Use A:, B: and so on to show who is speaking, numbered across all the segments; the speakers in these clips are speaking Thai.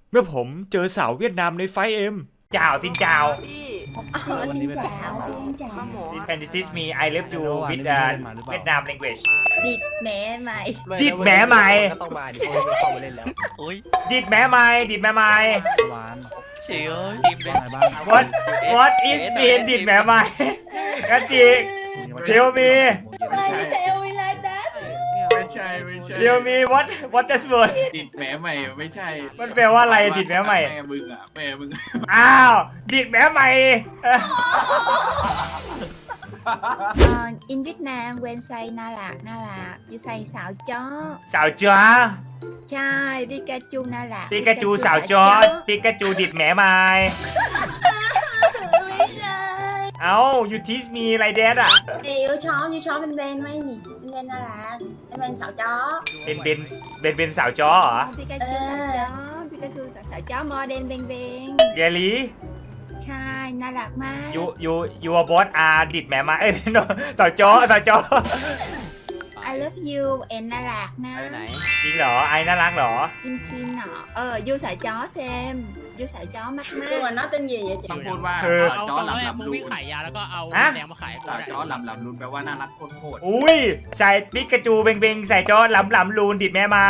A: เมื่อผมเจอสาวเวียดนามในไฟเอ็มจ่าวซินจ่าว
B: xin chào xin chào
A: Can you teach me I love you with Vietnam language
B: địt mẹ mày
A: ดิดแหมใหม่
C: ก็ต้องมาดิเพราะไม่เข้ามาเล่นแล้ว
D: Ui,
A: ดิดแหมใหม่ดิดแหมใหม่
E: หวาน
D: chị ơi, im đi.
E: ว่าไงบ้าง
A: What is mean ดิดแหมใหม่กันจิTell me
B: mày cứ theo mình lại that
F: ไม่ใช่
A: Tell me what does word
F: ดิดแหมใหม่ไม่ใช่
A: มันแปลว่าอะไรดิดแหมใหม่
F: แม่มึงอ่ะแม่มึง
A: อ้าวดิดแหมใหม่
B: in Việt Nam quen say na lạc như say xạo chó
A: สาวจ้า
B: trai Pikachu na lạc
A: ปิกาจูสาวจ้าปิกาจูดิดแหมใหม่
B: ไม่ใช่
A: เอ้า you teach me อะไรแดดอ่ะ
B: yêu chó bên bên mấy nhỉ bên na lạc bên xạo chó
A: เป็นสาวจ้าเหรอ
B: Pikachu xạo chó Pikachu xạo chó modern bên bên
A: เยลี
B: ใช่น่ารักมาก
A: ยูบอสอาดิดแหมมาเอ้ย no สาวจ้อสาวจ้อ
B: I love you and น่ารักนะ
D: Ở này.
A: จริงเหรอไอ้น่ารักเหรอ
B: Chin chin nọ du sợ chó xem du sợ chó mắc mát
G: Nhưng mà nó tên gì vậy chị?
F: ต้องพูดว่า
A: คือ
F: สาว
H: เอา
F: จ้อ
H: เอา
F: หลับ
H: แร
F: ห
H: ก
F: ลับ
H: มึง
F: ลุ
H: วิ่ง
F: น
H: ขายยาแล้วก็เอา
A: ฮะ
H: แดงมาขาย
F: สาวจ้อหลับหลับลุนแปลว่าน่ารักโคตร
A: อุ้ยใส่ปิกาจูเบงเบงใส่จ้อหลำหลำลูนดิดแม่ไม้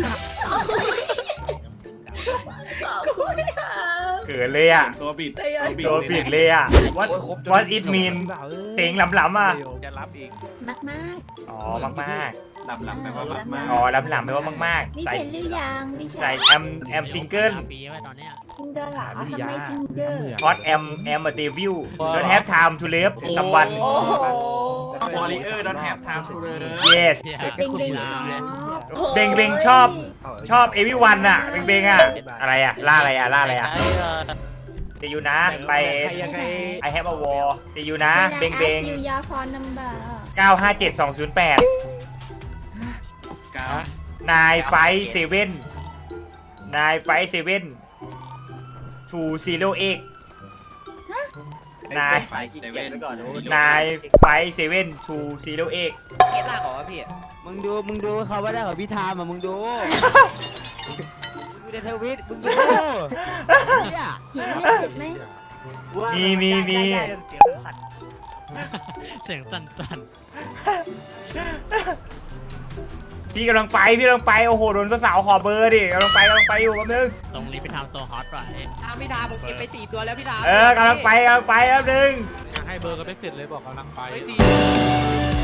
A: เกิดเลยอ่ะ
F: ตัวบิด
A: ตัวผิดเลยอ่ะ what it mean เต็งหลำหลำอ่ะ
E: จะรับอีก
B: mắc mát
A: อ๋อมากมาก
F: หลับหลับแปลว่ามากมาก
A: ๆอ๋อหลำหลำแปลว่ามากมาก
B: biết
A: ใส่
B: thầy lưu dàng đi
A: ใส่
B: sao
A: แอมซิงเกิล
H: ปีไว้ตอนเนี้ย
B: Tinder lỏ
E: วิท
B: không
E: ยา
B: mấy
E: น้ำ
B: Tinder
E: เหนือ
A: ฮอตแอมเดวิล don't have time to live someone
F: วอลเลอร์ดอนแฮปทามซูเลย
A: yes
H: เนี่ย
B: Bing bing
H: Ôi.
A: เบงเบงชอบเอวิวันอ่ะเบงเบงอ่ะอะไรอ่ะล่าอะไรอ่ะล่าอะไรอ่ะ
D: Cái
A: จะอยู่นะไป
C: ใครยังไง
A: I have a war จะอยู่นะ
B: Đây là
A: เบงเบง
B: ask you your phone number
A: 957208
F: กา
A: 9 5 7 9 5 7 208 นาย
C: ไปขี้เกียจไปก่อนโอ้ย
A: 9 5 7 208
D: เกตลากเหรอพี่ มึงดูเขาว่าได้ของพี่ทามอ่ะมึงดู มึงดูในทวิตมึงดูเนี่ย
B: Hiện message mấy
C: ว่า
A: มี
C: ได้เรื่องเสียงสั่น
H: เสียงสั่น
A: พี่กำลังไปโอ้โหโดนสาวขอเบอร์ดิกำลังไปอยู่แป๊บนึง
H: ๆตรงนี้ไปทำตัวฮอตหน่อย
D: ทามพี่ทามผมเก็บไป4 ตัวแล้วพี่ทาม
A: กำลังไปแป๊บนึง
E: ให้เบอร์กันไม่เสร็จเลยบอกกำลังไป
D: ไป4